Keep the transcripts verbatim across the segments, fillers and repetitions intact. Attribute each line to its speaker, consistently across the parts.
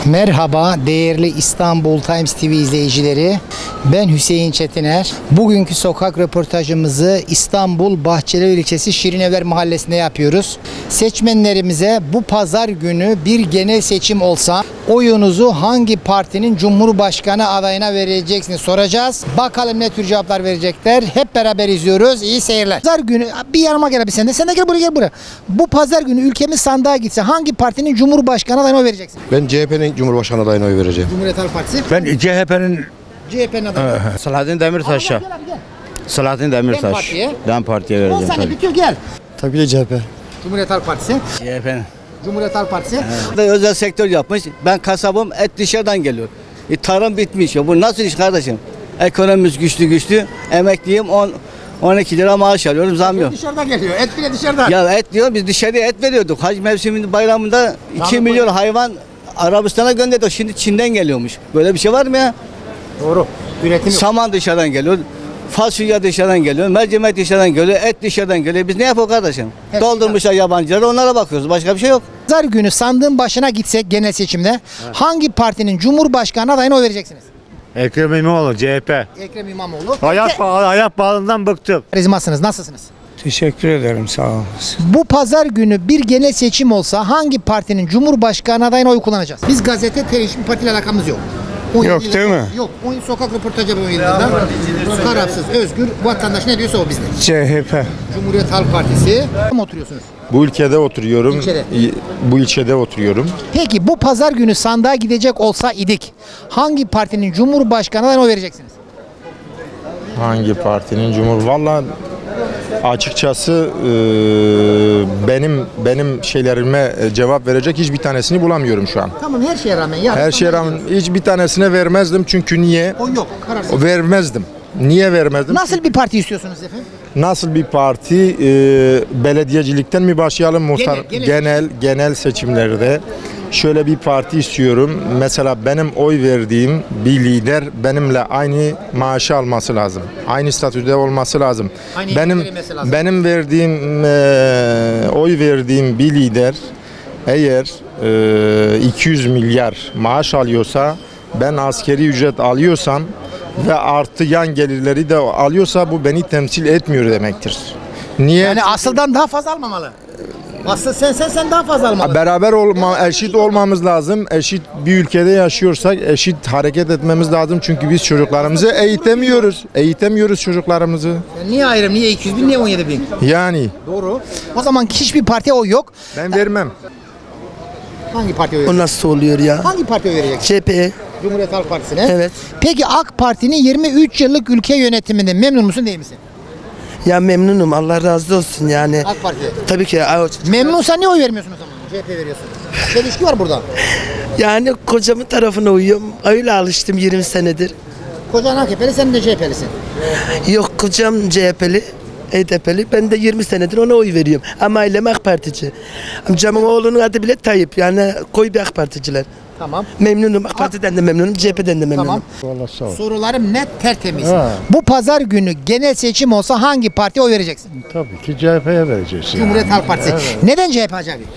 Speaker 1: Merhaba değerli İstanbul Times T V izleyicileri. Ben Hüseyin Çetiner. Bugünkü sokak röportajımızı İstanbul Bahçeli ilçesi Şirinevler Mahallesi'nde yapıyoruz. Seçmenlerimize bu pazar günü bir genel seçim olsa oyunuzu hangi partinin Cumhurbaşkanı adayına vereceksiniz soracağız. Bakalım ne tür cevaplar verecekler. Hep beraber izliyoruz. İyi seyirler. Pazar günü bir yanıma gel abi sen de. Sen de gel buraya gel buraya. Bu pazar günü ülkemiz sandığa gitse hangi partinin Cumhurbaşkanı adayına oy vereceksin?
Speaker 2: Ben C H P'nin Cumhurbaşkanı adayına oy vereceğim.
Speaker 1: Cumhuriyet Halk Partisi.
Speaker 3: Ben C H P'nin
Speaker 1: C H P'nin adayı.
Speaker 3: Selahattin Demirtaş'a.
Speaker 1: Gel abi gel.
Speaker 3: Selahattin
Speaker 1: Dem
Speaker 3: Demirtaş.
Speaker 1: Parti'ye.
Speaker 3: Dem Parti'ye
Speaker 1: on
Speaker 3: vereceğim
Speaker 1: saniye
Speaker 3: tabii.
Speaker 1: bitiyor gel.
Speaker 2: Tabii ki C H P.
Speaker 1: Cumhuriyet Halk Partisi.
Speaker 3: C H P'nin.
Speaker 1: Cumhuriyet Halk Partisi.
Speaker 4: Özel sektör yapmış. Ben kasabım, et dışarıdan geliyor. E, tarım bitmiş ya. Bu nasıl iş kardeşim? Ekonomimiz güçlü güçlü. Emekliyim on on iki lira maaş alıyorum, zam yok.
Speaker 1: Dışarıdan geliyor. Et bile dışarıdan.
Speaker 4: Ya et diyor, biz dışarıya et veriyorduk. Hac mevsiminin bayramında iki milyon hayvan Arabistan'a gönderdik. Şimdi Çin'den geliyormuş. Böyle bir şey var mı ya?
Speaker 1: Doğru. Üretim yok.
Speaker 4: Saman dışarıdan geliyor. Fasulye dışarıdan geliyor, mercimek dışarıdan geliyor, et dışarıdan geliyor. Biz ne yapıyoruz kardeşim?
Speaker 1: Evet.
Speaker 4: Doldurmuşlar yabancıları, onlara bakıyoruz. Başka bir şey yok.
Speaker 1: Pazar günü sandığın başına gitsek genel seçimde hangi partinin Cumhurbaşkanı adayına oy vereceksiniz?
Speaker 3: Ekrem İmamoğlu C H P.
Speaker 1: Ekrem İmamoğlu.
Speaker 3: Ayak, ayak bağından bıktım.
Speaker 1: Karizmasınız. Nasılsınız?
Speaker 5: Teşekkür ederim, sağ olun.
Speaker 1: Bu pazar günü bir genel seçim olsa hangi partinin Cumhurbaşkanı adayına oy kullanacağız? Biz gazete, televizyon, partiyle alakamız yok. on
Speaker 5: Yok,
Speaker 1: yedi
Speaker 5: değil
Speaker 1: yıldır-
Speaker 5: mi?
Speaker 1: Yok. on sokak röportajı yapıyor yılında. Tarafsız, özgür, vatandaş ne diyorsa o bizde.
Speaker 5: C H P.
Speaker 1: Cumhuriyet Halk Partisi. Kim oturuyorsunuz?
Speaker 2: Bu ülkede oturuyorum.
Speaker 1: İlçede.
Speaker 2: İ- Bu ilçede oturuyorum.
Speaker 1: Peki bu pazar günü sandığa gidecek olsa idik hangi partinin Cumhurbaşkanı adayına oy vereceksiniz?
Speaker 2: Hangi partinin cumhur? Vallahi açıkçası e, benim benim şeylerime e, cevap verecek hiçbir tanesini bulamıyorum şu an.
Speaker 1: Tamam her şeye rağmen. Ya,
Speaker 2: Her şeye rağmen hiçbir tanesine vermezdim çünkü niye?
Speaker 1: O yok. Kararsız.
Speaker 2: Vermezdim. Niye vermezdim?
Speaker 1: Nasıl bir parti istiyorsunuz efendim?
Speaker 2: Nasıl bir parti? E, belediyecilikten mi başlayalım? Muhtar,
Speaker 1: Genel, genel.
Speaker 2: genel, genel seçimlerde şöyle bir parti istiyorum. Mesela benim oy verdiğim bir lider benimle aynı maaşı alması lazım. Aynı statüde olması lazım.
Speaker 1: Aynı
Speaker 2: benim
Speaker 1: hizmet verilmesi lazım.
Speaker 2: benim verdiğim e, oy verdiğim bir lider eğer e, iki yüz milyar maaş alıyorsa, ben askeri ücret alıyorsam ve artı yan gelirleri de alıyorsa bu beni temsil etmiyor demektir. Niye?
Speaker 1: Yani asıldan daha fazla almamalı. Asıl sen sen sen daha fazla almalı.
Speaker 2: Beraber olma, eşit olmamız lazım. Eşit bir ülkede yaşıyorsak eşit hareket etmemiz lazım. Çünkü biz çocuklarımızı eğitemiyoruz. Eğitemiyoruz çocuklarımızı.
Speaker 1: Yani niye ayrım? Niye iki yüz bin? Niye on yedi bin?
Speaker 2: Yani
Speaker 1: Doğru. O zaman hiçbir partiye oy yok.
Speaker 2: ben vermem.
Speaker 1: Hangi partiye oy
Speaker 6: O
Speaker 1: vereceksin?
Speaker 6: nasıl oluyor ya?
Speaker 1: Hangi partiye oy vereceksin?
Speaker 6: C H P.
Speaker 1: Cumhuriyet Halk Partisi'ne.
Speaker 6: Evet.
Speaker 1: Peki AK Parti'nin yirmi üç yıllık ülke yönetiminde memnun musun değil misin?
Speaker 6: Ya memnunum. Allah razı olsun yani.
Speaker 1: AK Parti'ye.
Speaker 6: Tabii ki.
Speaker 1: Memnunsan niye oy vermiyorsun o zaman? C H P veriyorsun. Çelişki var burada.
Speaker 6: Yani kocamın tarafına uyuyorum. Öyle alıştım yirmi senedir.
Speaker 1: Kocan A K P'li, sen de C H P'lisin.
Speaker 6: Yok, kocam C H P'li. H D P'li. Ben de yirmi senedir ona oy veriyorum. Ama ailem AK Partici. Amcamın oğlunun adı bile Tayyip. Yani koy bir AK Particiler.
Speaker 1: Tamam.
Speaker 6: Memnunum. AK Parti'den de memnunum. C H P'den de memnunum.
Speaker 1: Tamam. Sorularım net, tertemiz. Bu pazar günü genel seçim olsa hangi partiye oy vereceksin?
Speaker 7: Tabii ki C H P'ye vereceksin.
Speaker 1: Cumhuriyet Halk Partisi. Neden C H P Hacı abi?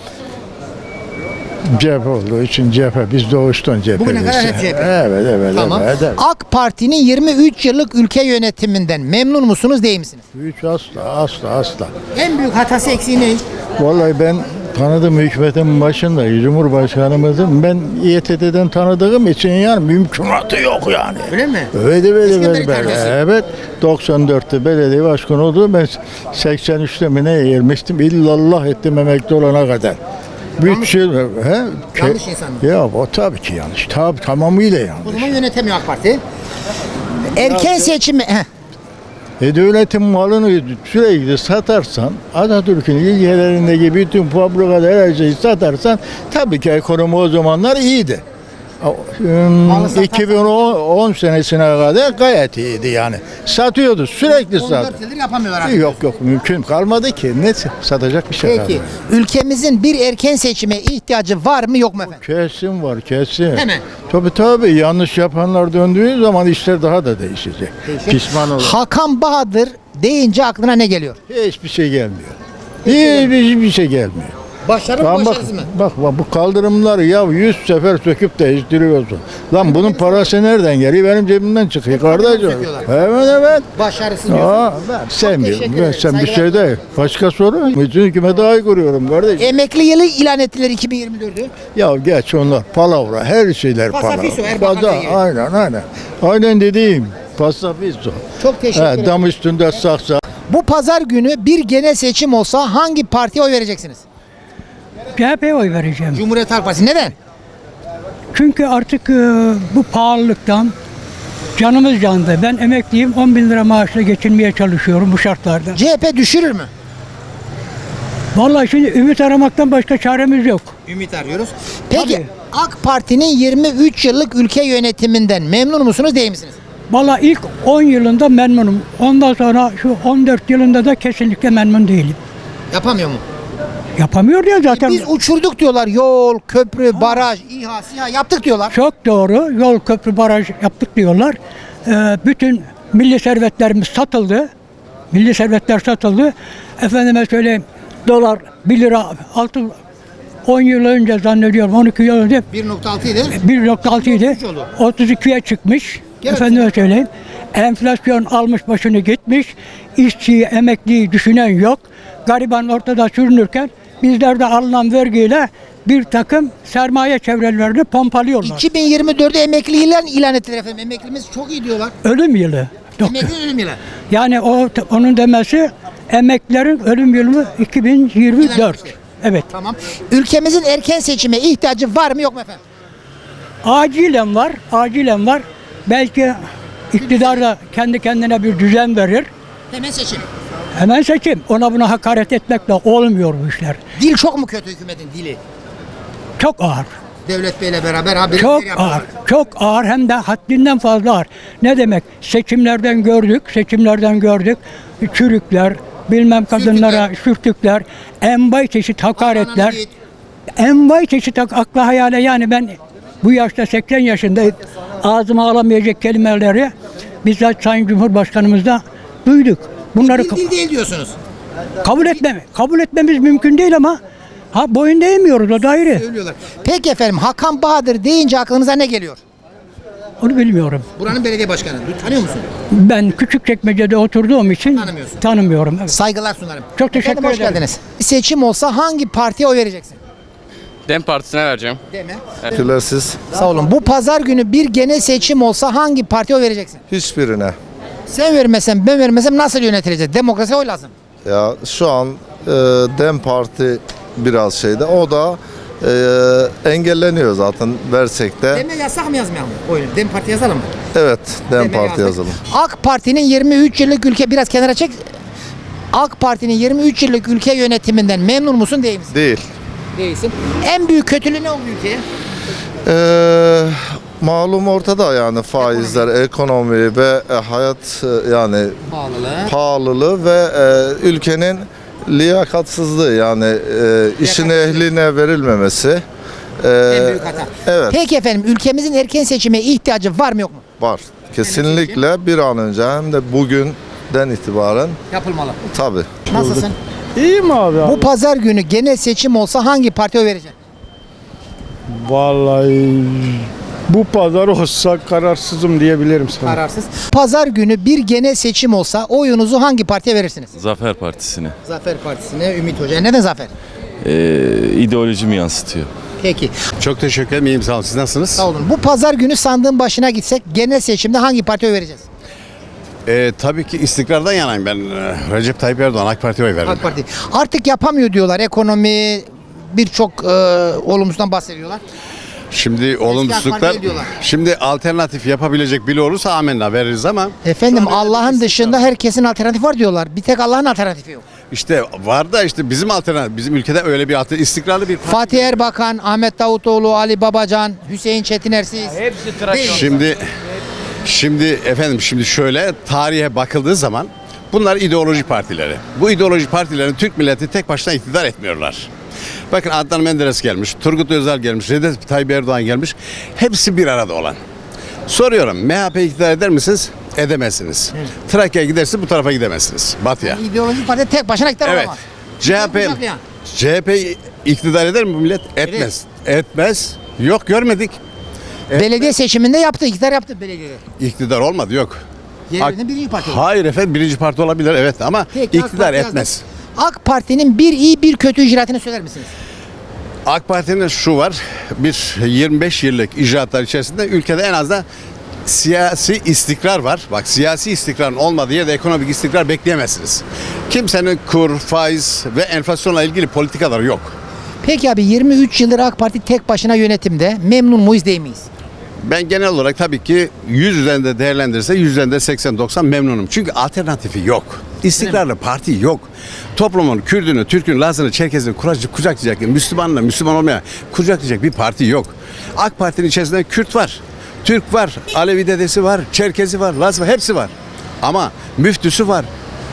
Speaker 7: C H P olduğu için C H P. Biz doğuştan C H P'liyiz.
Speaker 1: Bugüne kadar hep C H P.
Speaker 7: Evet, evet,
Speaker 1: Tamam.
Speaker 7: evet. evet.
Speaker 1: AK Parti'nin yirmi üç yıllık ülke yönetiminden memnun musunuz değil misiniz?
Speaker 7: Hiç asla, asla, asla.
Speaker 1: En büyük hatası eksiği ne?
Speaker 7: Vallahi ben tanıdığım hükümetin başında Cumhurbaşkanımızın ben İ T T'den tanıdığım için yani mümkünatı yok yani.
Speaker 1: Öyle mi?
Speaker 7: Evet, evet,
Speaker 1: İskender
Speaker 7: evet, evet.
Speaker 1: İtalyansı.
Speaker 7: Evet. doksan dörtte belediye başkanı oldu. Ben seksen üçte mi ne yermiştim? İllallah ettim emekli olana kadar. Bütçe, he?
Speaker 1: Yanlış insan mı?
Speaker 7: Ya o tabii ki yanlış. Tabii tamamıyla yanlış.
Speaker 1: O zaman yönetemiyor AK Parti. Erken seçimi... Heh.
Speaker 7: E devletin malını sürekli satarsan, Atatürk'ün ilgelerindeki bütün fabrikalar her şeyi satarsan tabii ki ekonomi o zamanlar iyiydi.
Speaker 1: satarsan-
Speaker 7: iki bin on senesine kadar gayet iyiydi yani. Satıyordu, sürekli
Speaker 1: on
Speaker 7: sat.
Speaker 1: dört yıldır yapamıyorlar artık.
Speaker 7: Yok yok mümkün kalmadı ki. Ne satacak bir şey
Speaker 1: Peki
Speaker 7: kalmadı.
Speaker 1: ülkemizin bir erken seçime ihtiyacı var mı yok mu efendim?
Speaker 7: Kesin var kesin.
Speaker 1: Hemen.
Speaker 7: Tabii tabii yanlış yapanlar döndüğü zaman işler daha da değişecek. Pişman olur.
Speaker 1: Hakan Bahadır deyince aklına ne geliyor?
Speaker 7: Hiçbir şey gelmiyor. Hiçbir bir şey gelmiyor.
Speaker 1: Başarı mı
Speaker 7: Lan bak,
Speaker 1: başarısız mı?
Speaker 7: bak bak bu kaldırımları ya yüz sefer söküp değiştiriyorsun. Lan bunun parası nereden geliyor? Benim cebimden çıkıyor kardeşim.
Speaker 1: söküyorlar.
Speaker 7: Evet evet.
Speaker 1: Başarısız diyorsun.
Speaker 7: Aa, ben sevmiyorum.
Speaker 1: teşekkür
Speaker 7: Ben,
Speaker 1: ederim.
Speaker 7: sen bir
Speaker 1: Saygılar.
Speaker 7: şey değil. Başka soru. Bütün hükümete aykırıyorum kardeşim.
Speaker 1: Emekli yılı ilan ettiler iki bin yirmi dördü.
Speaker 7: Ya geç onlar palavra. Her şeyler palavra.
Speaker 1: Pasafiso, Erbakan
Speaker 7: Fazla-
Speaker 1: Bey gibi.
Speaker 7: Aynen aynen. Aynen dediğim. Pasafiso.
Speaker 1: Çok teşekkür
Speaker 7: He,
Speaker 1: ederim.
Speaker 7: dam üstünde saksa.
Speaker 1: Bu pazar günü bir genel seçim olsa hangi partiye oy vereceksiniz?
Speaker 8: C H P'ye oy vereceğim.
Speaker 1: Cumhuriyet Halk Partisi. Neden?
Speaker 8: Çünkü artık e, bu pahalılıktan canımız yandı. Ben emekliyim, on bin lira maaşla geçinmeye çalışıyorum bu şartlarda.
Speaker 1: C H P düşürür mü?
Speaker 8: Vallahi şimdi ümit aramaktan başka çaremiz yok.
Speaker 1: Ümit arıyoruz. Peki
Speaker 8: Tabii.
Speaker 1: AK Parti'nin yirmi üç yıllık ülke yönetiminden memnun musunuz değil misiniz?
Speaker 8: Vallahi ilk on yılında memnunum. Ondan sonra şu on dört yılında da kesinlikle memnun değilim.
Speaker 1: Yapamıyor mu?
Speaker 8: Yapamıyor ya zaten.
Speaker 1: Biz uçurduk diyorlar. Yol, köprü, baraj, İHA, SİHA yaptık diyorlar.
Speaker 8: Çok doğru. Yol, köprü, baraj yaptık diyorlar. Ee, bütün milli servetlerimiz satıldı. Milli servetler satıldı. Efendime söyleyeyim, dolar bir lira altı on yıl önce zannediyorum on iki yıl önce
Speaker 1: bir nokta altı idi.
Speaker 8: bir nokta altı idi.
Speaker 1: otuz üç oldu.
Speaker 8: otuz ikiye çıkmış.
Speaker 1: Gene
Speaker 8: Efendime söyleyeyim. Enflasyon almış başını gitmiş. İşçiyi, emekliyi düşünen yok. Gariban ortada sürünürken bizler de alınan vergiyle bir takım sermaye çevrelerini pompalıyorlar.
Speaker 1: iki bin yirmi dördü emekli ilan, ilan ettiler efendim. Emeklimiz çok iyi diyorlar.
Speaker 8: Ölüm yılı. Yok.
Speaker 1: Emekli ölüm yılı.
Speaker 8: Yani o onun demesi emeklilerin ölüm yılı iki bin yirmi dört. Evet.
Speaker 1: Tamam. Ülkemizin erken seçime ihtiyacı var mı yok mu efendim?
Speaker 8: Acilen var, acilen var. Belki iktidar da kendi kendine bir düzen verir.
Speaker 1: Hemen seçim.
Speaker 8: Hemen seçim. Ona buna hakaret etmekle olmuyor bu işler.
Speaker 1: Dil çok mu kötü hükümetin dili?
Speaker 8: Çok ağır.
Speaker 1: Devlet Bey'le beraber haberleri
Speaker 8: Çok
Speaker 1: yapıyorlar.
Speaker 8: ağır. Çok ağır hem de haddinden fazla ağır. Ne demek? Seçimlerden gördük, seçimlerden gördük. Çürükler, bilmem kadınlara sürtükler, envai çeşit hakaretler.
Speaker 1: Ananı git.
Speaker 8: Envai çeşit ak- akla hayale, yani ben bu yaşta seksen yaşındayım. Ağzıma alamayacak kelimeleri bizzat Sayın Cumhurbaşkanımızda duyduk. Bunları
Speaker 1: Dil, dil değil diyorsunuz.
Speaker 8: kabul etmem, kabul etmemiz mümkün değil ama ha boyun değmiyoruz, o da ayrı.
Speaker 1: Söylüyorlar. Peki efendim Hakan Bahadır deyince aklınıza ne geliyor?
Speaker 8: Onu bilmiyorum.
Speaker 1: Buranın belediye başkanı. Du- Tanıyor musun?
Speaker 8: Ben Küçükçekmece'de oturduğum için
Speaker 1: Tanımıyorsun.
Speaker 8: tanımıyorum. Evet.
Speaker 1: Saygılar sunarım.
Speaker 8: Çok teşekkür
Speaker 1: Efendim, hoş
Speaker 8: ederim.
Speaker 1: geldiniz. Seçim olsa hangi partiye oy vereceksin?
Speaker 9: Dem Partisi'ne vereceğim.
Speaker 1: Deme.
Speaker 2: Teşekkürler siz.
Speaker 1: Sağ olun. Bu pazar günü bir genel seçim olsa hangi partiye oy vereceksin?
Speaker 2: Hiçbirine.
Speaker 1: Sen vermesen ben vermesem nasıl yönetileceğiz? Demokrasi oy lazım.
Speaker 2: Ya şu an e, Dem Parti biraz şeyde. O da e, engelleniyor zaten versek de.
Speaker 1: Deme yasak mı yazmayalım oyunu? Dem Parti yazalım mı?
Speaker 2: Evet, Dem
Speaker 1: Deme
Speaker 2: Parti
Speaker 1: yazdık.
Speaker 2: yazalım.
Speaker 1: AK Parti'nin yirmi üç yıllık ülke biraz kenara çek. AK Parti'nin yirmi üç yıllık ülke yönetiminden memnun musun değil misin?
Speaker 2: Değil.
Speaker 1: Değilsin. En büyük kötülüğü ne oldu ülkeye?
Speaker 2: Ee, malum ortada yani faizler, ekonomi ve e, hayat e, yani
Speaker 1: Pahalılığı.
Speaker 2: pahalılığı ve e, ülkenin liyakatsızlığı yani e, işin ehline verilmemesi. E,
Speaker 1: En büyük hata.
Speaker 2: Evet,
Speaker 1: Peki efendim ülkemizin erken seçime ihtiyacı var mı yok mu?
Speaker 2: var. Kesinlikle bir an önce hem de bugünden itibaren
Speaker 1: Yapılmalı.
Speaker 2: tabii.
Speaker 1: Nasılsın?
Speaker 5: İyiyim abi.
Speaker 1: Bu pazar günü genel seçim olsa hangi partiye oy vereceksin?
Speaker 5: Vallahi bu pazar olsa kararsızım diyebilirim sana.
Speaker 1: Kararsız. Pazar günü bir genel seçim olsa oyunuzu hangi partiye verirsiniz?
Speaker 10: Zafer Partisi'ne.
Speaker 1: Zafer Partisi'ne, Ümit Hoca. Neden Zafer?
Speaker 10: Ee, ideolojimi yansıtıyor.
Speaker 1: Peki.
Speaker 3: Çok teşekkür ederim. İyiyim, sağ olun. Siz nasılsınız?
Speaker 1: Sağ olun. Bu pazar günü sandığın başına gitsek genel seçimde hangi partiye oy vereceğiz?
Speaker 3: Ee, tabii ki istikrardan yanayım ben. Ee, Recep Tayyip Erdoğan AK Parti'ye oy verdim.
Speaker 1: AK Parti. Artık yapamıyor diyorlar. Ekonomi birçok e, olumsuzdan bahsediyorlar.
Speaker 3: Şimdi
Speaker 1: Parti
Speaker 3: olumsuzluklar,
Speaker 1: diyorlar.
Speaker 3: şimdi alternatif yapabilecek biri olursa amenna veririz ama
Speaker 1: Efendim
Speaker 3: şu an
Speaker 1: Allah'ın
Speaker 3: istikrar.
Speaker 1: dışında herkesin alternatifi var diyorlar. Bir tek Allah'ın alternatifi yok.
Speaker 3: İşte var da işte bizim alternatif, bizim ülkede öyle bir alternatif, istikrarlı bir parti.
Speaker 1: Fatih Erbakan, Ahmet Davutoğlu, Ali Babacan, Hüseyin Çetinersiz. Hepsi
Speaker 3: Şimdi şimdi efendim şimdi şöyle tarihe bakıldığı zaman bunlar ideoloji partileri. Bu ideoloji partilerin Türk milleti tek başına iktidar etmiyorlar. Bakın Adnan Menderes gelmiş, Turgut Özal gelmiş, Recep Tayyip Erdoğan gelmiş. Hepsi bir arada olan. Soruyorum M H P iktidar eder misiniz? Edemezsiniz. Trakya'ya gidersiniz bu tarafa gidemezsiniz. Batı'ya.
Speaker 1: İdeolojik parti tek başına iktidar
Speaker 3: Evet.
Speaker 1: olamaz.
Speaker 3: C H P
Speaker 1: Kucaklayan.
Speaker 3: C H P İktidar eder mi bu millet? Etmez. Etmez. Yok görmedik.
Speaker 1: Belediye seçiminde yaptı, iktidar yaptı belediyede.
Speaker 3: İktidar olmadı yok.
Speaker 1: Yerlerinde birinci parti oldu.
Speaker 3: Hayır efendim birinci parti olabilir evet ama
Speaker 1: Peki, AK
Speaker 3: iktidar
Speaker 1: Parti
Speaker 3: etmez.
Speaker 1: yazdı. AK Parti'nin bir iyi bir kötü icraatını söyler misiniz?
Speaker 3: AK Parti'nin şu var, bir yirmi beş yıllık icraatlar içerisinde ülkede en az da siyasi istikrar var. Bak siyasi istikrarın olmadığı yerde ekonomik istikrar bekleyemezsiniz. Kimsenin kur, faiz ve enflasyonla ilgili politikaları yok.
Speaker 1: Peki abi yirmi üç yıldır AK Parti tek başına yönetimde. Memnun muyuz değil miyiz?
Speaker 3: Ben genel olarak tabii ki yüz üzerinde değerlendirirse yüz üzerinde seksen doksan memnunum. Çünkü alternatifi yok. İstikrarlı parti yok. Toplumun Kürdünü, Türk'ünü, Laz'ını, Çerkez'ini kuracak, kucaklayacak, Müslümanla Müslüman olmaya kucaklayacak bir parti yok. AK Parti'nin içerisinde Kürt var, Türk var, Alevi dedesi var, Çerkezi var, Laz var, hepsi var. Ama müftüsü var,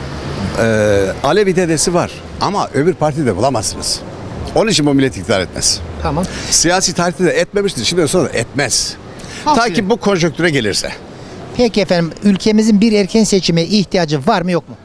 Speaker 3: ee, Alevi dedesi var. Ama öbür partide bulamazsınız. Onun için bu millet iktidar etmez.
Speaker 1: Tamam.
Speaker 3: Siyasi tarihte de etmemiştir. Şimdi sonra da etmez. Ta
Speaker 1: Aferin.
Speaker 3: ki bu konjonktüre gelirse.
Speaker 1: Peki efendim ülkemizin bir erken seçime ihtiyacı var mı yok mu?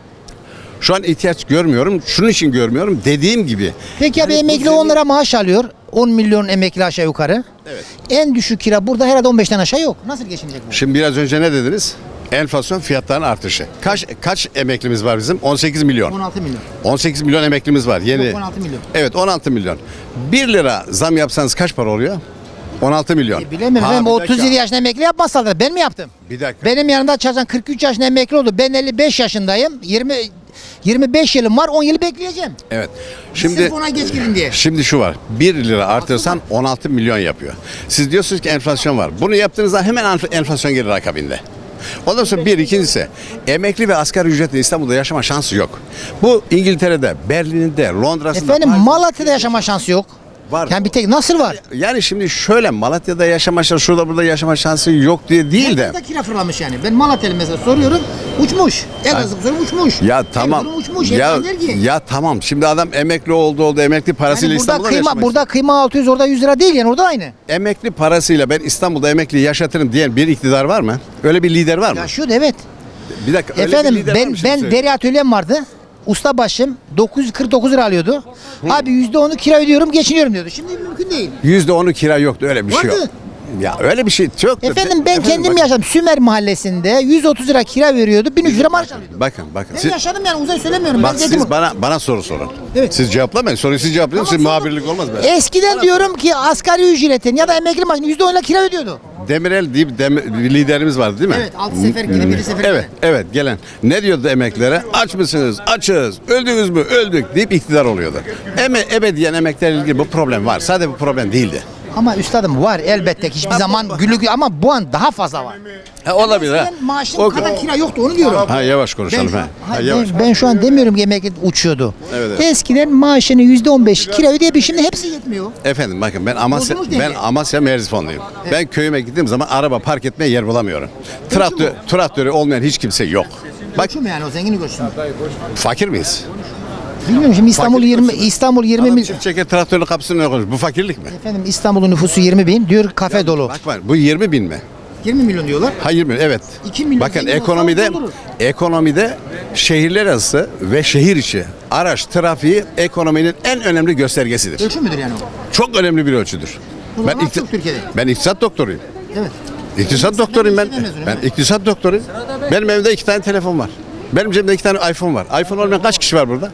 Speaker 3: Şu an ihtiyaç görmüyorum. Şunun için görmüyorum. Dediğim gibi.
Speaker 1: Peki abi
Speaker 3: Hani bu
Speaker 1: emekli
Speaker 3: senin-
Speaker 1: on lira maaş alıyor. on milyon emekli aşağı yukarı.
Speaker 3: Evet.
Speaker 1: En düşük kira burada herhalde on beşten aşağı yok. Nasıl geçinecek bu?
Speaker 3: Şimdi biraz önce ne dediniz? Enflasyon fiyatların artışı. Kaç kaç emeklimiz var bizim? on sekiz milyon.
Speaker 1: on altı milyon.
Speaker 3: on sekiz milyon emeklimiz var. Yeni.
Speaker 1: Yok, on altı milyon.
Speaker 3: Evet on altı milyon. bir lira zam yapsanız kaç para oluyor? on altı milyon.
Speaker 1: E, bilemiyorum
Speaker 3: Ha,
Speaker 1: efendim
Speaker 3: bir
Speaker 1: otuz yedi
Speaker 3: dakika.
Speaker 1: yaşında emekli yapmazlar. Ben mi yaptım?
Speaker 3: Bir dakika.
Speaker 1: Benim yanında çalışan kırk üç yaşında emekli oldu. Ben elli beş yaşındayım. yirmi yirmi beş yılım var. on yıl bekleyeceğim.
Speaker 3: Evet.
Speaker 1: Şimdi
Speaker 3: Şimdi
Speaker 1: sırf ona geç girin diye.
Speaker 3: Şimdi şu var. bir lira artırsan on altı milyon yapıyor. Siz diyorsunuz ki enflasyon var. Bunu yaptığınızda hemen enf- enflasyon gelir akabinde. Ondan sonra bir ikincisi emekli ve asgari ücretle İstanbul'da yaşama şansı yok. Bu İngiltere'de, Berlin'de, Londra'sında.
Speaker 1: Efendim
Speaker 3: Paris'te-
Speaker 1: Malatya'da yaşama şansı yok.
Speaker 3: Var.
Speaker 1: Yani bir tek nasıl var?
Speaker 3: Yani şimdi şöyle Malatya'da yaşama şansı, şurada burada yaşama şansı yok diye değil de.
Speaker 1: Herkes de kira fırlamış yani. Ben Malatya'lı mesela soruyorum. Uçmuş. Elazığ soruyorum uçmuş.
Speaker 3: Ya tamam.
Speaker 1: Erzurum uçmuş.
Speaker 3: Ya,
Speaker 1: Hepsi der ki.
Speaker 3: ya tamam. Şimdi adam emekli oldu oldu emekli parasıyla
Speaker 1: Yani burada
Speaker 3: İstanbul'da
Speaker 1: kıyma
Speaker 3: yaşamak
Speaker 1: burada kıyma altı yüz orada yüz lira değil yani orada aynı.
Speaker 3: emekli parasıyla ben İstanbul'da emekli yaşatırım diyen bir iktidar var mı? Öyle bir lider var mı?
Speaker 1: Yaşıyordu evet.
Speaker 3: Bir dakika. öyle bir
Speaker 1: Efendim
Speaker 3: lider var
Speaker 1: ben
Speaker 3: mı şimdi
Speaker 1: ben
Speaker 3: söyleyeyim?
Speaker 1: deri atölyem vardı. Usta başım dokuz yüz kırk dokuz lira alıyordu. Abi yüzde onu kira ödüyorum geçiniyorum diyordu. Şimdi mümkün değil.
Speaker 3: yüzde onu kira yoktu öyle bir şey yok.
Speaker 1: Vardı.
Speaker 3: Ya öyle bir şey yoktu.
Speaker 1: Efendim ben kendim
Speaker 3: bak-
Speaker 1: yaşadım. Sümer mahallesinde yüz otuz lira kira veriyordu. bin üç yüz lira maaş alıyordu.
Speaker 3: Bakın bakın.
Speaker 1: Ben
Speaker 3: Siz,
Speaker 1: yaşadım yani uzay söylemiyorum.
Speaker 3: bak
Speaker 1: ben dedim.
Speaker 3: siz bana bana soru sorun.
Speaker 1: Evet.
Speaker 3: Siz cevaplamayın. Soruyu siz cevaplayın. Siz
Speaker 1: Tamam,
Speaker 3: muhabirlik olmaz be.
Speaker 1: Eskiden diyorum ki asgari ücretin ya da emekli maaşının yüzde onla kira ödüyordu.
Speaker 3: Demirel diye bir dem- bir liderimiz vardı değil mi?
Speaker 1: Evet, altı sefer gidip biri sefer
Speaker 3: Evet, evet gelen. Ne diyordu emeklilere? Aç mısınız? Açız. Öldünüz mü? Öldük deyip iktidar oluyordu. Eme, ebediyen emeklerle ilgili bu problem var. Sadece bu problem değildi.
Speaker 1: Ama üstadım var elbette ki hiçbir zaman gülük ama bu an daha fazla var.
Speaker 3: Ha, olabilir ha.
Speaker 1: Eskiden maaşın
Speaker 3: O-
Speaker 1: kadar kira yoktu onu diyorum.
Speaker 3: Ha yavaş
Speaker 1: Ben
Speaker 3: konuşalım
Speaker 1: şu,
Speaker 3: ha. ha
Speaker 1: hayır,
Speaker 3: yavaş.
Speaker 1: ben, ben şu an demiyorum ki emekli uçuyordu.
Speaker 3: Evet, evet.
Speaker 1: Eskiden maaşını yüzde on beş kira ödeyebilir şimdi hepsi yetmiyor.
Speaker 3: Efendim bakın ben Amasya
Speaker 1: Bozulmuş
Speaker 3: ben
Speaker 1: denge.
Speaker 3: Amasya Merzifonluyum. Ben köyüme gittiğim zaman araba park etmeye yer bulamıyorum. Traktör traktörü olmayan hiç kimse yok. Bak
Speaker 1: Göçü mü yani o zengini göçü mü?
Speaker 3: fakir miyiz?
Speaker 1: Bilmiyorum şimdi İstanbul
Speaker 3: Fakirlik
Speaker 1: yirmi
Speaker 3: göçü mü?
Speaker 1: İstanbul yirmi
Speaker 3: Adam
Speaker 1: bin.
Speaker 3: çift çeker traktörlü kapısının önüne koymuş. Bu fakirlik mi?
Speaker 1: Efendim İstanbul'un nüfusu yirmi bin diyor kafe dolu.
Speaker 3: Bak bak bu yirmi bin mi?
Speaker 1: yirmi milyon diyorlar.
Speaker 3: Hayır mı? Evet.
Speaker 1: iki milyon
Speaker 3: Bakın
Speaker 1: zengin olsa
Speaker 3: ekonomide
Speaker 1: doldurur.
Speaker 3: ekonomide şehirler arası ve şehir içi araç trafiği ekonominin en önemli göstergesidir.
Speaker 1: Ölçü müdür yani o?
Speaker 3: Çok önemli bir ölçüdür.
Speaker 1: O zaman
Speaker 3: ikti-
Speaker 1: çok Türkiye'de.
Speaker 3: ben iktisat doktoruyum.
Speaker 1: Evet.
Speaker 3: İktisat doktoruyum ben.
Speaker 1: liseden mezunum,
Speaker 3: Ben
Speaker 1: evet.
Speaker 3: iktisat doktoruyum. Benim evimde iki tane telefon var. Benim cebimde iki tane iPhone var. iPhone olmayan kaç kişi var burada?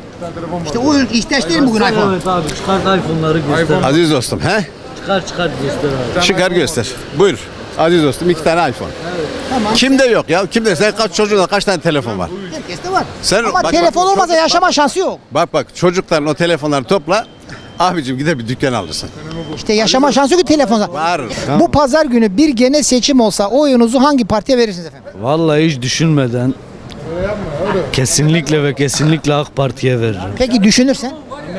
Speaker 1: İşte o ihtiyaç değil mi bugün iPhone?
Speaker 11: Evet abi çıkart iPhone'ları göster.
Speaker 3: Aziz dostum, he?
Speaker 11: Çıkar çıkar göster abi.
Speaker 3: Çıkar göster. Buyur. Aziz dostum iki tane iPhone.
Speaker 1: Tamam.
Speaker 3: Kimde yok ya? Kimde? Sen kaç çocuğunda kaç tane telefon var?
Speaker 1: Herkeste var.
Speaker 3: Sen-
Speaker 1: Ama
Speaker 3: bak, bak,
Speaker 1: telefon
Speaker 3: bu
Speaker 1: olmasa
Speaker 3: çocuk-
Speaker 1: yaşama şansı yok.
Speaker 3: Bak bak çocukların o telefonları topla. Abicim gider bir dükkan alırsın.
Speaker 1: İşte yaşama şansı yok ki telefonda.
Speaker 3: Var.
Speaker 1: Bu pazar günü bir genel seçim olsa oyunuzu hangi partiye verirsiniz efendim?
Speaker 11: Vallahi hiç düşünmeden kesinlikle ve kesinlikle AK Parti'ye veririm.
Speaker 1: Peki düşünürsen?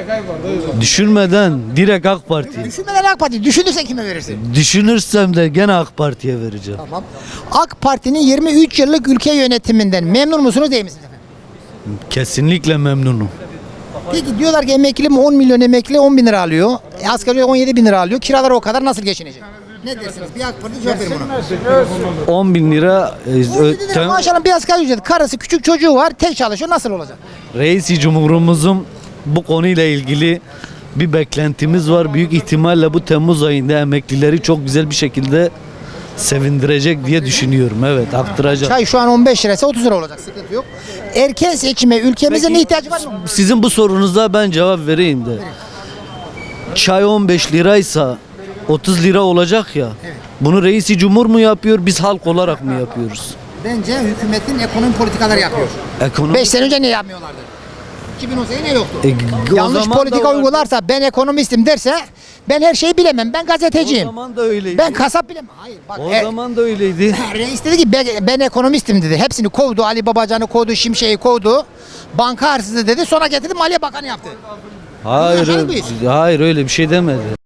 Speaker 11: Düşünmeden direkt AK Parti.
Speaker 1: Düşünmeden AK Parti. Düşünürsen kime verirsin?
Speaker 11: Düşünürsem de gene AK Parti'ye vereceğim.
Speaker 1: Tamam. AK Parti'nin yirmi üç yıllık ülke yönetiminden memnun musunuz değil misiniz efendim?
Speaker 11: Kesinlikle memnunum.
Speaker 1: Peki diyorlar ki emekli mi on milyon emekli on bin lira alıyor. E, asgari ücret on yedi bin lira alıyor. Kiralar o kadar nasıl geçinecek? Ne dersiniz? Bir AK Parti cevap verin buna.
Speaker 11: on bin lira e,
Speaker 1: on yedi lira
Speaker 11: ö-
Speaker 1: maaş alan bir asgari ücret. Karısı küçük çocuğu var. Tek çalışıyor. Nasıl olacak?
Speaker 11: Reisi Cumhurumuzun bu konuyla ilgili bir beklentimiz var. Büyük ihtimalle bu Temmuz ayında emeklileri çok güzel bir şekilde sevindirecek diye düşünüyorum. Evet, arttıracak.
Speaker 1: Çay şu an on beş liraysa otuz lira olacak, sıkıntı yok. Erken seçime ülkemizin
Speaker 11: Peki,
Speaker 1: ihtiyacı var mı?
Speaker 11: Sizin bu sorunuza ben cevap vereyim de. Çay on beş liraysa otuz lira olacak ya. Bunu reisi cumhur mu yapıyor, biz halk olarak mı yapıyoruz?
Speaker 1: Bence hükümetin ekonomi politikaları yapıyor.
Speaker 11: Ekonomi...
Speaker 1: beş sene önce ne yapmıyorlardı? iki bin on sekiz ne yoktu?
Speaker 11: E, o
Speaker 1: Yanlış
Speaker 11: zaman da
Speaker 1: politika
Speaker 11: vardı.
Speaker 1: uygularsa, ben ekonomistim derse, ben her şeyi bilemem, ben
Speaker 11: O
Speaker 1: gazeteciyim.
Speaker 11: zaman da öyleydi.
Speaker 1: Ben kasap bilemem. Hayır bak.
Speaker 11: O
Speaker 1: e,
Speaker 11: zaman da öyleydi.
Speaker 1: Reis dedi ki ben, ben ekonomistim dedi. Hepsini kovdu. Ali Babacan'ı kovdu, Şimşek'i kovdu. Banka hırsızı dedi. Sonra getirdi Maliye Bakanı yaptı.
Speaker 11: Hayır,
Speaker 1: yaşadık
Speaker 11: öyle-
Speaker 1: mıyız?
Speaker 11: hayır öyle bir şey demedi.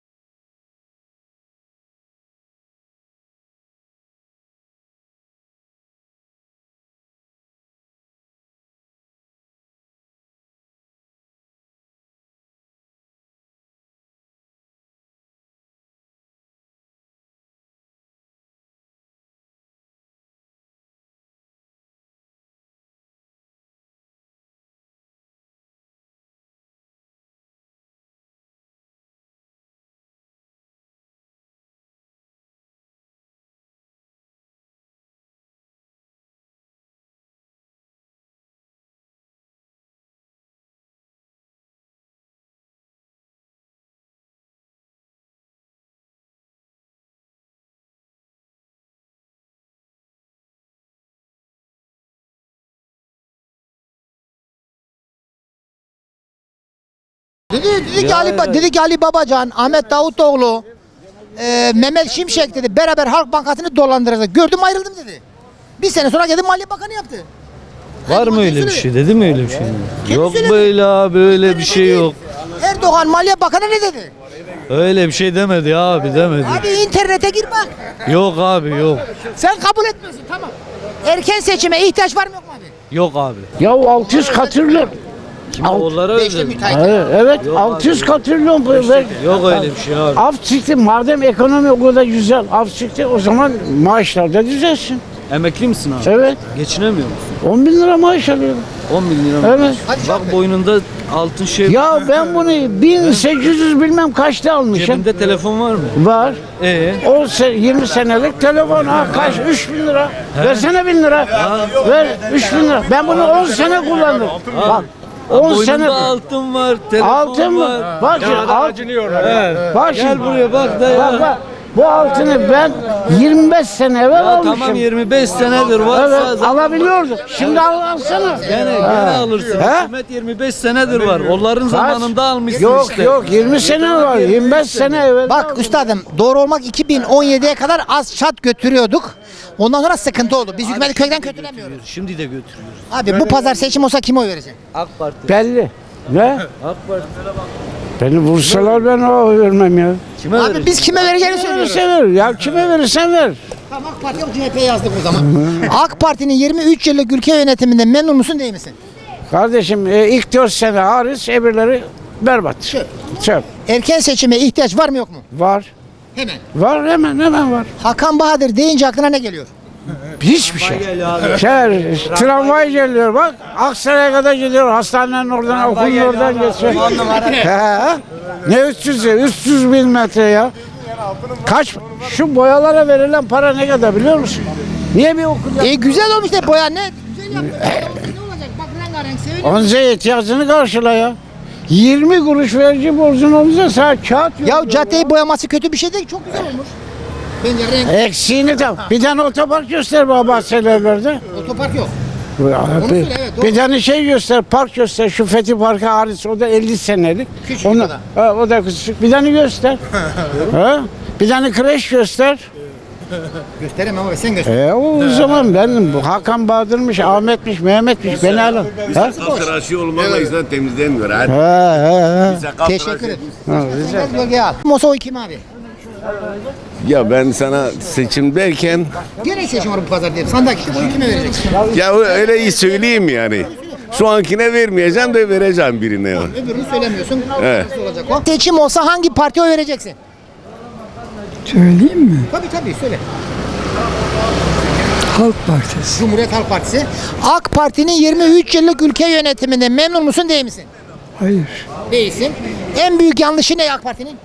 Speaker 1: Dedi, dedi ki
Speaker 11: Ya,
Speaker 1: Ali, Ba-
Speaker 11: ya.
Speaker 1: dedi ki Ali Babacan, Ahmet Davutoğlu, e, Mehmet Şimşek dedi beraber Halk Bankası'nı dolandıracak. Gördüm ayrıldım dedi. Bir sene sonra geldi Maliye Bakanı yaptı.
Speaker 11: Var mı öyle bir şey? Dedi mi öyle bir şey? Yok böyle abi, öyle bir şey yok.
Speaker 1: Erdoğan Maliye Bakanı ne dedi?
Speaker 11: Öyle bir şey demedi abi, demedi.
Speaker 1: Abi internete gir bak.
Speaker 11: Yok abi, yok.
Speaker 1: Sen kabul etmiyorsun, tamam. Erken seçime ihtiyaç var mı yok mu abi?
Speaker 11: Yok abi.
Speaker 5: Ya altı yüz katrilyon.
Speaker 11: Kim onlara
Speaker 1: Beşte
Speaker 11: özel?
Speaker 1: müteahhit.
Speaker 5: Evet,
Speaker 11: Yok
Speaker 5: altı yüz
Speaker 11: abi.
Speaker 5: katrilyon. Ver.
Speaker 11: Yok öyle bir şey abi.
Speaker 5: Af çıktı, madem ekonomi o kadar güzel, af çıktı, o zaman maaşlar da düzelsin.
Speaker 11: Emekli misin abi?
Speaker 5: Evet,
Speaker 11: Geçinemiyor musun?
Speaker 5: on bin lira maaş alıyorum.
Speaker 11: on bin lira mı?
Speaker 5: Evet.
Speaker 11: Bak boynunda altın şey.
Speaker 5: Ya ben bunu bin sekiz yüz bilmem kaçta almışım.
Speaker 11: Cebinde telefon var mı?
Speaker 5: Var.
Speaker 11: Ee?
Speaker 5: on se- yirmi senelik telefon, ha kaç? üç bin lira. Versene bin lira. Ver üç bin lira. Ben bunu on sene kullandım. Bak on
Speaker 11: Boynunda
Speaker 5: sene.
Speaker 11: altın var, telefon
Speaker 5: Altın
Speaker 11: var.
Speaker 5: mı? Bak şimdi, alt,
Speaker 11: Evet.
Speaker 5: bak
Speaker 11: Gel
Speaker 5: şimdi.
Speaker 11: buraya bak da ya.
Speaker 5: Bak bak. Bu altını ben yirmi beş sene evvel
Speaker 11: Ya
Speaker 5: almışım.
Speaker 11: tamam yirmi beş senedir varsa
Speaker 5: Evet,
Speaker 11: zaten-
Speaker 5: alabiliyorduk. Şimdi al, alsana.
Speaker 11: Gene, gene alırsın.
Speaker 5: He?
Speaker 11: Hükümet yirmi beş senedir var. Onların zamanında almışsın
Speaker 5: Yok
Speaker 11: işte.
Speaker 5: yok yirmi sene var. yirmi beş sene evvel.
Speaker 1: Bak üstadım, doğru olmak iki bin on yediye kadar az çat götürüyorduk. Ondan sonra sıkıntı oldu. Biz hükümeti kökten kötülemiyoruz.
Speaker 11: Şimdi de götürüyoruz.
Speaker 1: Abi bu pazar seçim olsa kime oy vereceksin?
Speaker 11: AK Parti.
Speaker 5: Belli. Ne?
Speaker 11: AK Parti.
Speaker 5: Beni vursalar ben o vermem ya.
Speaker 11: Kime
Speaker 1: Abi
Speaker 11: vereceksin?
Speaker 1: biz kime vereceğini söylüyoruz.
Speaker 5: Verirse ver. Ya kime verirsen ver.
Speaker 1: Tamam, AK Parti yok, C H P'ye yazdık o zaman. AK Parti'nin yirmi üç yıllık ülke yönetiminde memnun musun değil misin?
Speaker 5: Kardeşim e, ilk dört sene hariç öbürleri berbat.
Speaker 1: Çöp.
Speaker 5: Çöp.
Speaker 1: Erken seçime ihtiyaç var mı yok mu?
Speaker 5: Var.
Speaker 1: Hemen.
Speaker 5: Var hemen hemen var.
Speaker 1: Hakan Bahadır deyince aklına ne geliyor?
Speaker 5: Hiçbir şey. Şey, tramvay geliyor bak. Aksaray'a kadar gidiyor. Hastanenin oradan, okulun oradan geçiyor. He. Ne üç yüz ya? üç yüz bin metre ya. Kaç? Şu boyalara verilen para ne kadar biliyor musun? Niye bir okul
Speaker 1: E güzel olmuş de boya ne? Güzel yapmış. Ne olacak? Bak rengarenk seviniyor.
Speaker 5: Onca ihtiyacını karşıla ya. yirmi kuruş verici borcun olursa sana kağıt yok.
Speaker 1: Ya caddeyi boyaması kötü bir şey değil. Çok güzel olmuş. Bence renk.
Speaker 5: Eksiğini tam. Bir tane otopark göster bana bahçelerde.
Speaker 1: Otopark yok.
Speaker 5: Bir,
Speaker 1: söyle, evet, doğru.
Speaker 5: bir tane şey göster, park göster. Şu Fethi Parkı hariç, o da elli senelik.
Speaker 1: Küçük
Speaker 5: Onu-
Speaker 1: o da.
Speaker 5: Ha, o da küçük. Bir tane göster. ha? Bir tane kreş göster.
Speaker 1: Gösteremem ama sen göster.
Speaker 5: E o zaman benim bu Hakan Bahadır'mış, Ahmet'miş, Mehmet'miş beni alın. Ha?
Speaker 3: Tıraşı olmakla insan temizlemiyor.
Speaker 5: Ha, ha, ha.
Speaker 1: Teşekkür ederim.
Speaker 5: Ha, güzel.
Speaker 1: Biraz gölgeye al. Mosa oy kim abi?
Speaker 3: Ya ben sana seçim derken
Speaker 1: Gene seçim var bu pazar diye. Sandık işte. Oyu kime vereceksin?
Speaker 3: ya öyle iyi söyleyeyim yani. Şu ankine vermeyeceğim de vereceğim birine ya.
Speaker 1: Öbürünü söylemiyorsun.
Speaker 3: Evet.
Speaker 1: Nasıl olacak o? Seçim olsa hangi partiye oy vereceksin?
Speaker 8: Söyleyeyim mi?
Speaker 1: Tabii tabii söyle.
Speaker 8: Halk Partisi.
Speaker 1: Cumhuriyet Halk Partisi. AK Parti'nin yirmi üç yıllık ülke yönetiminde memnun musun değil misin?
Speaker 8: Hayır.
Speaker 1: Değilsin. En büyük yanlışı ne AK Parti'nin?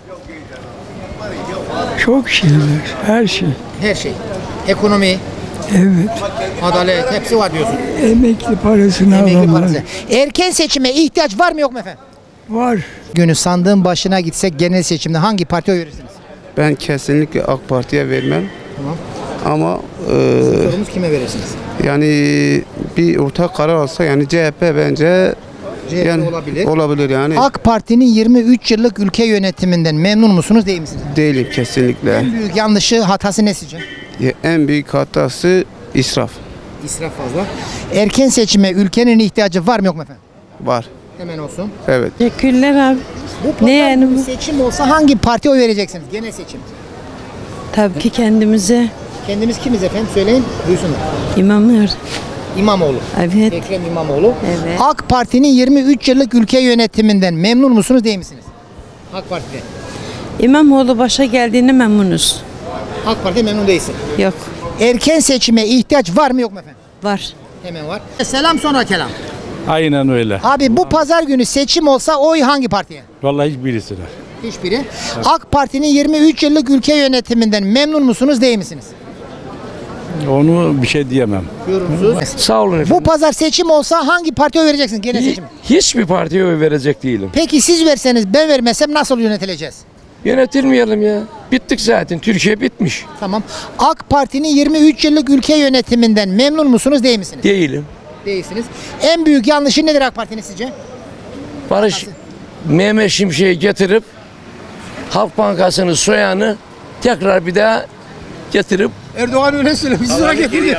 Speaker 8: Çok şeyler, her şey.
Speaker 1: Her şey. Ekonomi,
Speaker 8: Evet.
Speaker 1: adalet hepsi var diyorsun.
Speaker 8: Emekli parasını
Speaker 1: Emekli parası. Erken seçime ihtiyaç var mı yok mu efendim?
Speaker 8: Var.
Speaker 1: Günü sandığın başına gitsek genel seçimde hangi partiye oy verirsiniz?
Speaker 12: Ben kesinlikle AK Parti'ye vermem.
Speaker 1: Tamam.
Speaker 12: Ama e,
Speaker 1: Sorumuz kime verirsiniz?
Speaker 12: yani bir ortak karar alsa yani C H P bence
Speaker 1: C H P
Speaker 12: yani
Speaker 1: olabilir.
Speaker 12: olabilir yani.
Speaker 1: AK Parti'nin yirmi üç yıllık ülke yönetiminden memnun musunuz değil misiniz?
Speaker 12: Değilim kesinlikle.
Speaker 1: En büyük yanlışı, hatası ne sizce?
Speaker 12: En büyük hatası israf
Speaker 1: İsraf fazla. Erken seçime ülkenin ihtiyacı var mı yok mu efendim?
Speaker 12: var.
Speaker 1: Hemen olsun.
Speaker 12: Evet.
Speaker 13: Teşekkürler abi.
Speaker 1: Bu pazar
Speaker 13: Ne yani
Speaker 1: günü
Speaker 13: bu?
Speaker 1: seçim olsa hangi partiye oy vereceksiniz? Genel seçim.
Speaker 13: Tabii ki kendimize
Speaker 1: Kendimiz kimiz efendim? Söyleyin, duysunlar.
Speaker 13: imamlar.
Speaker 1: İmamoğlu.
Speaker 13: Evet.
Speaker 1: Ekrem İmamoğlu.
Speaker 13: Evet.
Speaker 1: AK Parti'nin yirmi üç yıllık ülke yönetiminden memnun musunuz değil misiniz? AK Parti'de.
Speaker 13: İmamoğlu başa geldiğine memnunuz.
Speaker 1: AK Parti'de memnun değilsin.
Speaker 13: Yok.
Speaker 1: Erken seçime ihtiyaç var mı yok mu efendim?
Speaker 13: Var.
Speaker 1: Hemen var. Selam sonra kelam.
Speaker 5: Aynen öyle.
Speaker 1: Abi bu pazar günü seçim olsa oy hangi partiye?
Speaker 5: Vallahi hiçbirisine.
Speaker 1: Hiçbiri. AK Parti'nin yirmi üç yıllık ülke yönetiminden memnun musunuz değil misiniz?
Speaker 5: Onu bir şey diyemem.
Speaker 1: Yorumsuz.
Speaker 10: Sağ olun
Speaker 1: Bu pazar seçim olsa hangi partiye oy vereceksiniz genel seçim?
Speaker 10: Hiçbir partiye oy verecek değilim.
Speaker 1: Peki siz verseniz ben vermesem nasıl yönetileceğiz?
Speaker 10: Yönetilmeyelim ya. Bittik zaten. Türkiye bitmiş.
Speaker 1: Tamam. AK Parti'nin yirmi üç yıllık ülke yönetiminden memnun musunuz değil misiniz?
Speaker 10: Değilim.
Speaker 1: Değilsiniz. En büyük yanlışı nedir AK Parti'nin sizce?
Speaker 10: Barış Mehmet Şimşek'i getirip Halk Bankası'nı soyanı tekrar bir daha getirip
Speaker 1: Erdoğan öyle söylüyor. Biz sonra getirdik.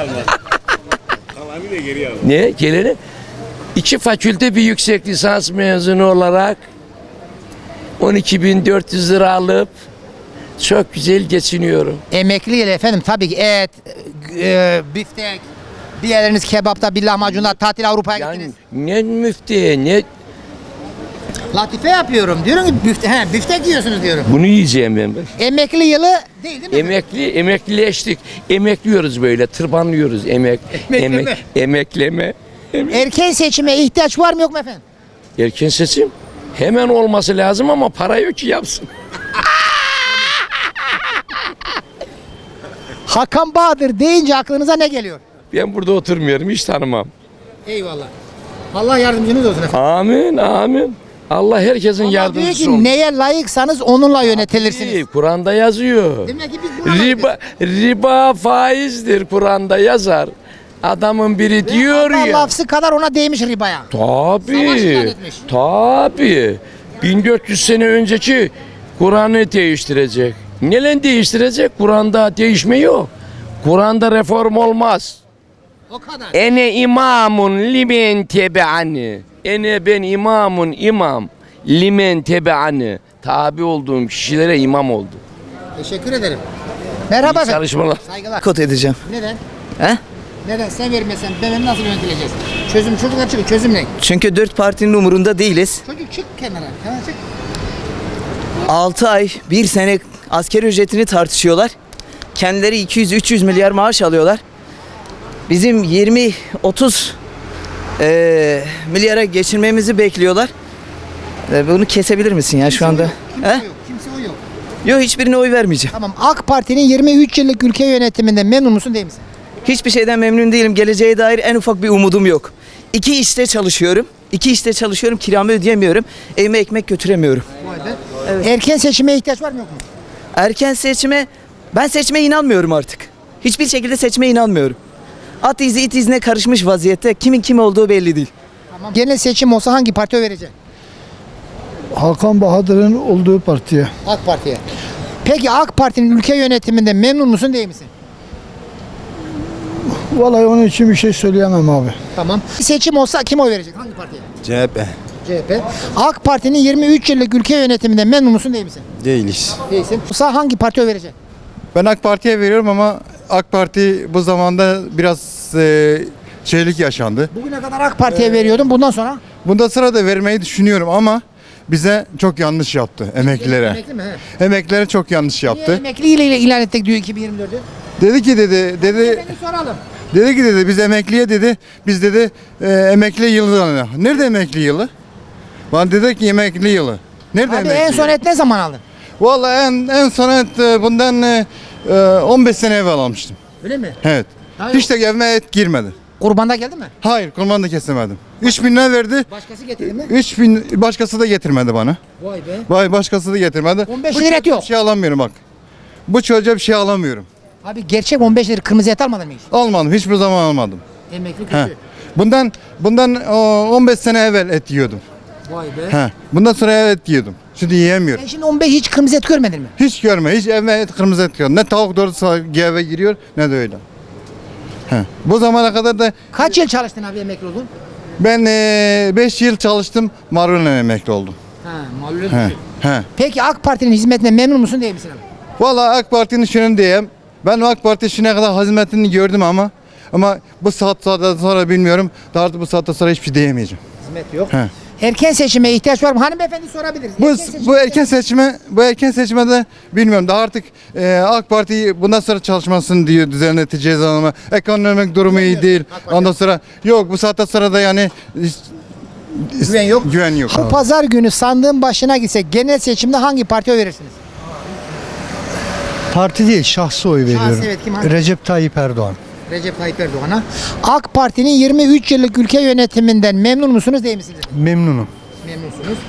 Speaker 10: ne? Geleni iki fakülte bir yüksek lisans mezunu olarak on iki bin dört yüz lira alıp çok güzel geçiniyorum.
Speaker 1: Emekli ile efendim tabii ki et, e, biftek, bir yerleriniz kebapta, bir lahmacunda, tatil Avrupa'ya
Speaker 10: Yani
Speaker 1: gittiniz.
Speaker 10: ne müftiye ne
Speaker 1: Latife yapıyorum. Diyorum ki bifte, he, biftek yiyorsunuz diyorum.
Speaker 10: bunu yiyeceğim ben. ben.
Speaker 1: Emekli yılı değil değil mi?
Speaker 10: Emekli, emeklileştik. Emekliyoruz böyle, tırbanlıyoruz. Emek,
Speaker 1: Emekleme.
Speaker 10: emek, emekleme.
Speaker 1: Erken seçime ihtiyaç var mı yok mu efendim?
Speaker 10: Erken seçim hemen olması lazım ama para yok ki yapsın.
Speaker 1: Hakan Bahadır deyince aklınıza ne geliyor?
Speaker 10: Ben burada oturmuyorum, hiç tanımam.
Speaker 1: Eyvallah. Allah yardımcınız olsun efendim.
Speaker 10: Amin, amin. Allah herkesin
Speaker 1: Allah diyor
Speaker 10: yardımcısı
Speaker 1: ki
Speaker 10: olsun.
Speaker 1: neye layıksanız onunla yönetilirsiniz.
Speaker 10: Değil, Kur'an'da yazıyor.
Speaker 1: Demek ki biz buna
Speaker 10: Riba,
Speaker 1: layıkız.
Speaker 10: riba faizdir, Kur'an'da yazar. Adamın biri diyor
Speaker 1: Allah
Speaker 10: ya.
Speaker 1: lafzı kadar ona değmiş ribaya. Savaş ilan
Speaker 10: Tabii.
Speaker 1: etmiş.
Speaker 10: Tabii. bin dört yüz sene önceki Kur'an'ı değiştirecek. Neyle değiştirecek? Kur'an'da değişme yok. Kur'an'da reform olmaz.
Speaker 1: O kadar.
Speaker 10: Ene imamun limen tebe'ani. Ene ben imamun imam. Limen tebe'ani. Tabi olduğum kişilere imam oldu.
Speaker 1: Teşekkür ederim. Merhaba
Speaker 10: İyi
Speaker 1: efendim.
Speaker 10: çalışmalar.
Speaker 1: Saygılar.
Speaker 11: Kot edeceğim.
Speaker 1: Neden?
Speaker 11: He?
Speaker 1: Neden? Sen vermesen ben nasıl yönetileceğiz? Çözüm çocuklar çıkın. Çözüm ne?
Speaker 11: Çünkü dört partinin umurunda değiliz.
Speaker 1: Çocuk çık kenara. Kenara çık.
Speaker 11: altı ay, bir sene asker ücretini tartışıyorlar. Kendileri iki yüz üç yüz milyar maaş alıyorlar. Bizim yirmi otuz eee milyara geçirmemizi bekliyorlar. E, bunu kesebilir misin ya şu anda?
Speaker 1: Kimse
Speaker 11: He?
Speaker 1: o yok. Kimse o yok.
Speaker 11: Yok, hiçbirine oy vermeyeceğim.
Speaker 1: Tamam. AK Parti'nin yirmi üç yıllık ülke yönetiminden memnun musun değil misin?
Speaker 11: Hiçbir şeyden memnun değilim. Geleceğe dair en ufak bir umudum yok. İki işte çalışıyorum. İki işte çalışıyorum. Kiramı ödeyemiyorum. Evime ekmek götüremiyorum. Evet.
Speaker 1: Erken seçime ihtiyaç var mı yok mu?
Speaker 11: Erken seçime, ben seçmeye inanmıyorum artık. Hiçbir şekilde seçmeye inanmıyorum. At izi it izine karışmış vaziyette. Kimin kim olduğu belli değil.
Speaker 1: Tamam. Genel seçim olsa hangi partiye oy vereceksin?
Speaker 5: Hakan Bahadır'ın olduğu partiye.
Speaker 1: AK Parti'ye. Peki AK Parti'nin ülke yönetiminden memnun musun değil misin?
Speaker 5: Vallahi onun için bir şey söyleyemem abi.
Speaker 1: Tamam. Seçim olsa kim oy verecek? Hangi partiye?
Speaker 12: C H P
Speaker 1: C H P. AK Parti'nin yirmi üç yıllık ülke yönetiminden memnun musun değil misin?
Speaker 12: değiliz.
Speaker 1: Değilsin. Olsa hangi partiye oy vereceksin?
Speaker 12: Ben AK Parti'ye veriyorum ama AK Parti bu zamanda biraz e, şeylik yaşandı.
Speaker 1: Bugüne kadar AK Parti'ye veriyordum. Bundan sonra?
Speaker 12: Bundan sonra da vermeyi düşünüyorum ama bize çok yanlış yaptı emeklilere.
Speaker 1: Emekli mi? He.
Speaker 12: Emeklilere çok yanlış
Speaker 1: Niye
Speaker 12: yaptı.
Speaker 1: emekli ile ilan ettik diyor iki bin yirmi dördü?
Speaker 12: Dedi ki dedi dedi
Speaker 1: Beni soralım.
Speaker 12: dedi ki dedi biz emekliye dedi biz dedi e, emekli yılı. Nerede emekli yılı? Bana dedi ki emekli yılı. Nerede
Speaker 1: Abi
Speaker 12: emekli
Speaker 1: en son
Speaker 12: yılı?
Speaker 1: et ne zaman aldın?
Speaker 12: Vallahi en, en son et e, bundan e, e, on beş sene evvel almıştım.
Speaker 1: Öyle mi?
Speaker 12: Evet.
Speaker 1: Hayır.
Speaker 12: Hiç de evime et girmedi.
Speaker 1: Kurbanda geldi mi?
Speaker 12: Hayır, kurban da kesemedim. üç bin lira verdi.
Speaker 1: Başkası getirdi mi?
Speaker 12: üç bin başkası da getirmedi bana.
Speaker 1: Vay be.
Speaker 12: Vay başkası da getirmedi.
Speaker 1: on beş
Speaker 12: Bu
Speaker 1: lira et
Speaker 12: çocuğa
Speaker 1: yok.
Speaker 12: Bir şey alamıyorum bak. Bu çocuğa bir şey alamıyorum.
Speaker 1: Abi gerçek on beş lira kırmızı et almadın mı hiç?
Speaker 12: Almadım. Hiçbir zaman almadım.
Speaker 1: Emekli
Speaker 12: He.
Speaker 1: kötü.
Speaker 12: Bundan bundan o, on beş sene evvel et yiyordum.
Speaker 1: Vay be.
Speaker 12: He. Bundan sonra et yiyordum. Şimdi yiyemiyorum.
Speaker 1: Sen şimdi on beş hiç kırmızı et görmedin mi?
Speaker 12: Hiç görme. Hiç evime et kırmızı et yiyorum. Ne tavuk doğrusu eve giriyor ne de öyle. He. Bu zamana kadar da
Speaker 1: Kaç yıl çalıştın abi emekli oldun?
Speaker 12: ben beş yıl çalıştım. Marul'la emekli oldum.
Speaker 1: Ha, malum.
Speaker 12: He. He.
Speaker 1: Peki AK Parti'nin hizmetinden memnun musun değil misin abi?
Speaker 12: Vallahi AK Parti'nin şunu diyeyim. Ben AK Parti şimdiye kadar hizmetini gördüm ama ama bu saat saatten sonra bilmiyorum. Daha artık bu saatten sonra hiçbir şey diyemeyeceğim.
Speaker 1: Hizmet yok.
Speaker 12: He.
Speaker 1: Erken seçime ihtiyaç var mı? Hanımefendi sorabiliriz.
Speaker 12: Bu
Speaker 1: seçime
Speaker 12: bu erken seçime bu erken seçime de bilmiyorum. Daha artık e, AK Parti bundan sonra çalışmasını diyor düzenleteceğiz ama ekonomik durumu iyi değil. Ondan sonra yok bu saatten sonra da yani
Speaker 1: Güven yok.
Speaker 12: Güven yok.
Speaker 1: Bu pazar günü sandığın başına gitsek genel seçimde hangi partiye oy verirsiniz?
Speaker 7: Parti değil, şahsı oy veriyorum.
Speaker 1: evet, kim hangi?
Speaker 7: Recep Tayyip Erdoğan.
Speaker 1: Recep Tayyip Erdoğan'a. AK Parti'nin yirmi üç yıllık ülke yönetiminden memnun musunuz değil misiniz?
Speaker 7: Memnunum.
Speaker 1: Memnunsunuz.